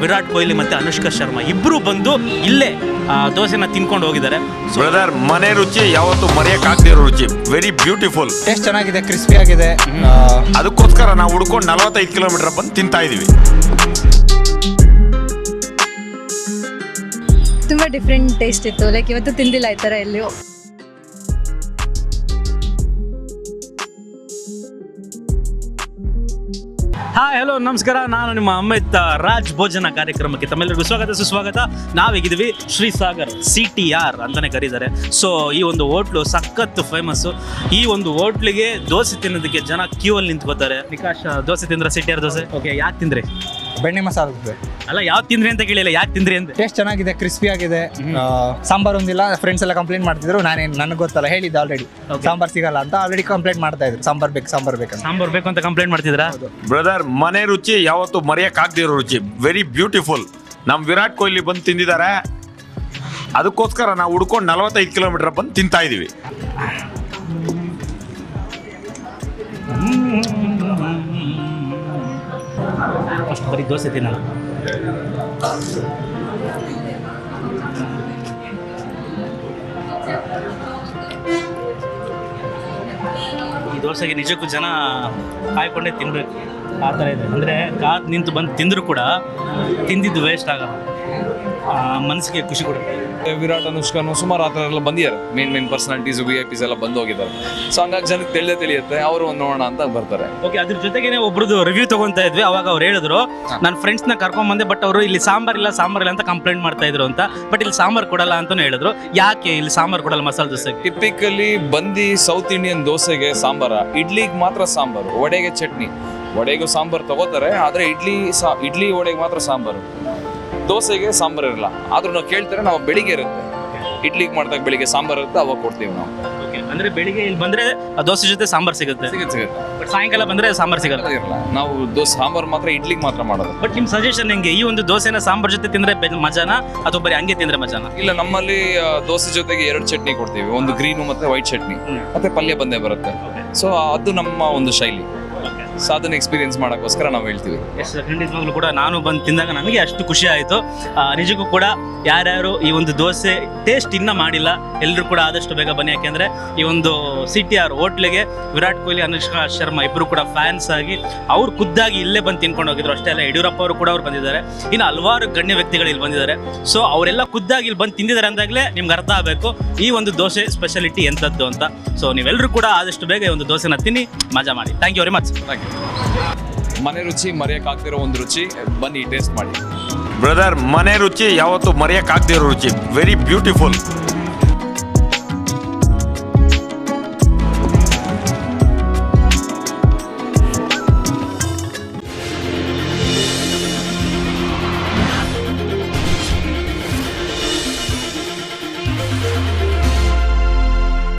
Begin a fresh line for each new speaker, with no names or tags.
ವಿರಾಟ್ ಕೊಹ್ಲಿ ಮತ್ತು ಅನುಷ್ಕಾ ಶರ್ಮಾ ಇಬ್ಬರು ಬಂದು ಇಲ್ಲೇ ದೋಸೆನ ತಿನ್ಕೊಂಡು ಹೋಗಿದ್ದಾರೆ.
ಬ್ರದರ್, ಮನೆ ರುಚಿ ಯಾವತ್ತು ಮರೆಯಕ್ಕಾಗದಿರೋ ರುಚಿ. Very beautiful.
ಟೇಸ್ಟ್ ಚೆನ್ನಾಗಿದೆ, ಕ್ರಿಸ್ಪಿ ಆಗಿದೆ.
ಅದಕ್ಕೋಸ್ಕರ ನಾವು ಹುಡ್ಕೊಂಡು 45 ಕಿಲೋಮೀಟರ್ ಬಂದು ತಿಂತಾ ಇದೀವಿ.
ತುಂಬ ಡಿಫ್ರೆಂಟ್ ಟೇಸ್ಟ್ ಇತ್ತು. ಲೈಕ್ ಇವತ್ತು ತಿಂದಿಲ್ಲ ಈ ಥರ ಎಲ್ಲಿಯೂ.
ಹಾಯ್, ಹಲೋ, ನಮಸ್ಕಾರ. ನಾನು ನಿಮ್ಮ ಅಮಿತ್. ರಾಜ್ ಭೋಜನ ಕಾರ್ಯಕ್ರಮಕ್ಕೆ ತಮ್ಮೆಲ್ಲರಿಗೂ ಸ್ವಾಗತ ಸುಸ್ವಾಗತ. ನಾವೀಗಿದ್ದೀವಿ ಶ್ರೀಸಾಗರ್ CTR ಅಂತಲೇ ಕರೀತಾರೆ. ಸೊ ಈ ಒಂದು ಹೋಟ್ಲು ಸಖತ್ ಫೇಮಸ್ಸು. ಈ ಒಂದು ಹೋಟ್ಲಿಗೆ ದೋಸೆ ತಿನ್ನೋದಕ್ಕೆ ಜನ ಕ್ಯೂ ಅಲ್ಲಿ ನಿಂತ್ಕೋತಾರೆ. ವಿಕಾಸ್, ದೋಸೆ ತಿಂದ್ರೆ CTR ದೋಸೆ? ಓಕೆ, ಯಾಕೆ ತಿಂದ್ರಿ?
ಬೆಣ್ಣೆ ಮಸಾಲೆ ದೋಸೆ.
ಅಲ್ಲ, ಯಾವ್ದು ತಿಂದ್ರಿ ಅಂತ ಕೇಳಿಲ್ಲ, ಯಾಕೆ ತಿಂದ್ರಿ ಅಂತ.
ಟೇಸ್ಟ್ ಚೆನ್ನಾಗಿದೆ, ಕ್ರಿಸ್ಪಿ ಆಗಿದೆ. ಸಾಂಬಾರ್ ಒಂದಿಲ್ಲ. ಫ್ರೆಂಡ್ಸ್ ಎಲ್ಲ ಕಂಪ್ಲೇಂಟ್ ಮಾಡ್ತಿದ್ರು. ನನಗೆ ಗೊತ್ತಲ್ಲ, ಹೇಳಿದ್ದೆ ಆಲ್ರೆಡಿ ಸಾಂಬಾರ್ ಸಿಗಲ್ಲ ಅಂತ. ಆಲ್ರೆಡಿ ಕಂಪ್ಲೇಂಟ್ ಮಾಡ್ತಾ ಇದ್ರು, ಸಾಂಬಾರ್ ಬೇಕು
ಸಾಂಬಾರ್ ಬೇಕು ಅಂತ ಕಂಪ್ಲೇಂಟ್ ಮಾಡ್ತಿದ್ರಾ?
ಬ್ರದರ್, ಮನೆ ರುಚಿ ಯಾವತ್ತು ಮರೆಯಕ್ಕಾಗದಿರೋ ರುಚಿ. Very beautiful. ನಮ್ ವಿರಾಟ್ ಕೊಹ್ಲಿ ಬಂದು ತಿಂದಿದ್ದಾರೆ. ಅದಕ್ಕೋಸ್ಕರ ನಾವು ಹುಡ್ಕೊಂಡು 45 ಕಿಲೋಮೀಟರ್ ಬಂದು ತಿಂತಾ ಇದೀವಿ.
ಅಷ್ಟು ಬರೀ ದೋಸೆ ತಿನ್ನಲ್ಲ. ಈ ದೋಸೆಗೆ ನಿಜಕ್ಕೂ ಜನ ಕಾಯ್ಕೊಂಡೇ ತಿನ್ನಬೇಕು, ಆ ಥರ ಇದೆ. ಅಂದರೆ ಕಾದು ನಿಂತು ಬಂದು ತಿಂದರೂ ಕೂಡ ತಿಂದಿದ್ದು ವೇಸ್ಟ್ ಆಗಲ್ಲ, ಮನಸ್ಸಿಗೆ ಖುಷಿ ಕೊಡುತ್ತೆ.
ವಿರಾಟ್, ಅನುಷ್ಕಾನು ಸುಮಾರು ಆ ಥರ ಎಲ್ಲ ಬಂದಿದ್ದಾರೆ. ಮೇನ್ ಪರ್ಸನಾಲಿಟೀಸ್, VIP ಎಲ್ಲ ಬಂದು ಹೋಗಿದ್ದಾರೆ. ಸೊ ಹಂಗಾಗಿ ಜನಕ್ಕೆ ತಿಳಿಯುತ್ತೆ, ಅವರು ಒಂದು ನೋಡೋಣ ಅಂತ ಬರ್ತಾರೆ.
ಓಕೆ, ಅದ್ರ ಜೊತೆಗೇನೆ ಒಬ್ರದ್ದು ರಿವ್ಯೂ ತಗೊಂತಾ ಇದ್ವಿ. ಅವಾಗ ಅವ್ರು ಹೇಳಿದ್ರು, ನನ್ನ ಫ್ರೆಂಡ್ಸ್ನ ಕರ್ಕೊಂಬಂದೆ, ಬಟ್ ಅವರು ಇಲ್ಲಿ ಸಾಂಬಾರ್ ಇಲ್ಲ ಅಂತ ಕಂಪ್ಲೇಂಟ್ ಮಾಡ್ತಾ ಇದ್ರು ಅಂತ. ಬಟ್ ಇಲ್ಲಿ ಸಾಂಬಾರ್ ಕೊಡಲ್ಲ ಅಂತಾನು ಹೇಳಿದ್ರು. ಯಾಕೆ ಇಲ್ಲಿ ಸಾಂಬಾರ್ ಕೊಡಲ್ಲ ಮಸಾಲೆ ದೋಸೆಗೆ?
ಟಿಪಿಕಲಿ ಬಂದು ಸೌತ್ ಇಂಡಿಯನ್ ದೋಸೆಗೆ ಸಾಂಬಾರ, ಇಡ್ಲಿಗೆ ಮಾತ್ರ ಸಾಂಬಾರು, ವಡೆಗೆ ಚಟ್ನಿ. ವಡೆಗೂ ಸಾಂಬಾರು ತಗೋತಾರೆ, ಆದರೆ ಇಡ್ಲಿ ವಡೆಗೆ ಮಾತ್ರ ಸಾಂಬಾರು. ದೋಸೆಗೆ ಸಾಂಬಾರು ಇರಲ್ಲ. ಆದ್ರೂ ನಾವು ಕೇಳ್ತಾರೆ, ನಾವು ಬೆಳಿಗ್ಗೆ ಇರುತ್ತೆ, ಇಡ್ಲಿಗೆ ಮಾಡಿದಾಗ ಬೆಳಿಗ್ಗೆ ಸಾಂಬಾರು ಇರುತ್ತೆ, ಅವಾಗ ಕೊಡ್ತೀವಿ ನಾವು.
ಅಂದ್ರೆ ಬೆಳಿಗ್ಗೆ ಇಲ್ಲಿ ಬಂದ್ರೆ ದೋಸೆ ಜೊತೆ ಸಾಂಬಾರ್ ಸಿಗುತ್ತೆ, ಬಟ್ ಸಾಯಂಕಾಲ ಬಂದ್ರೆ ಸಾಂಬಾರ್ ಸಿಗಲ್ಲ.
ಇರಲ್ಲ, ನಾವು ದೋಸೆ ಸಾಂಬಾರು ಮಾತ್ರ ಇಡ್ಲಿಗೆ ಮಾತ್ರ ಮಾಡೋದು.
ಬಟ್ ನಿಮ್ ಸಜೆಷನ್ ಹೆಂಗೆ? ಈ ಒಂದು ದೋಸೆನ ಸಾಂಬಾರ್ ಜೊತೆ ತಿಂದ್ರೆ ಮಜಾನ ಅಥವಾ ಬರೀ ಹಂಗೆ ತಿಂದ್ರೆ ಮಜಾನ?
ಇಲ್ಲ, ನಮ್ಮಲ್ಲಿ ದೋಸೆ ಜೊತೆಗೆ 2 ಚಟ್ನಿ ಕೊಡ್ತೀವಿ. ಒಂದು ಗ್ರೀನು ಮತ್ತೆ ವೈಟ್ ಚಟ್ನಿ, ಮತ್ತೆ ಪಲ್ಯ ಬಂದೇ ಬರುತ್ತೆ. ಸೊ ಅದು ನಮ್ಮ ಒಂದು ಶೈಲಿ. ಸೊ ಅದನ್ನ ಎಕ್ಸ್ಪೀರಿಯನ್ಸ್ ಮಾಡೋಕ್ಕೋಸ್ಕರ ನಾವು ಹೇಳ್ತೀವಿ.
ಎಷ್ಟು ಖಂಡಿತವಾಗ್ಲೂ ಕೂಡ ನಾನು ಬಂದು ತಿಂದಾಗ ನನಗೆ ಅಷ್ಟು ಖುಷಿ ಆಯಿತು. ನಿಜಕ್ಕೂ ಕೂಡ ಯಾರ್ಯಾರು ಈ ಒಂದು ದೋಸೆ ಟೇಸ್ಟ್ ಇನ್ನೂ ಮಾಡಿಲ್ಲ, ಎಲ್ಲರೂ ಕೂಡ ಆದಷ್ಟು ಬೇಗ ಬನ್ನಿ. ಯಾಕೆಂದರೆ ಈ ಒಂದು CTR ಹೋಟ್ಲಿಗೆ ವಿರಾಟ್ ಕೊಹ್ಲಿ, ಅನುಷ್ಕಾ ಶರ್ಮಾ ಇಬ್ಬರು ಕೂಡ ಫ್ಯಾನ್ಸ್ ಆಗಿ ಅವ್ರು ಖುದ್ದಾಗಿ ಇಲ್ಲೇ ಬಂದು ತಿನ್ಕೊಂಡು ಹೋಗಿದ್ರು. ಅಷ್ಟೇ ಅಲ್ಲ, ಯಡಿಯೂರಪ್ಪ ಅವರು ಕೂಡ ಅವ್ರು ಬಂದಿದ್ದಾರೆ. ಇನ್ನು ಹಲವಾರು ಗಣ್ಯ ವ್ಯಕ್ತಿಗಳು ಇಲ್ಲಿ ಬಂದಿದ್ದಾರೆ. ಸೊ ಅವರೆಲ್ಲ ಖುದ್ದಾಗಿ ಇಲ್ಲಿ ಬಂದು ತಿಂದಿದ್ದಾರೆ ಅಂದಾಗಲೇ ನಿಮ್ಗೆ ಅರ್ಥ ಆಗಬೇಕು ಈ ಒಂದು ದೋಸೆ ಸ್ಪೆಷಾಲಿಟಿ ಎಂಥದ್ದು ಅಂತ. ಸೊ ನೀವೆಲ್ಲರೂ ಕೂಡ ಆದಷ್ಟು ಬೇಗ ಈ ಒಂದು ದೋಸೆನ ತಿನ್ನಿ, ಮಜಾ ಮಾಡಿ. Thank you very much.
ಮನೆ ರುಚಿ ಮರೆಯಕ್ಕಾಗದಿರೋ ಒಂದು ರುಚಿ, ಬನ್ನಿ ಟೇಸ್ಟ್ ಮಾಡಿ.
ಬ್ರದರ್, ಮನೆ ರುಚಿ ಯಾವತ್ತು ಮರೆಯಕ್ಕಾಗದಿರೋ ರುಚಿ. Very beautiful.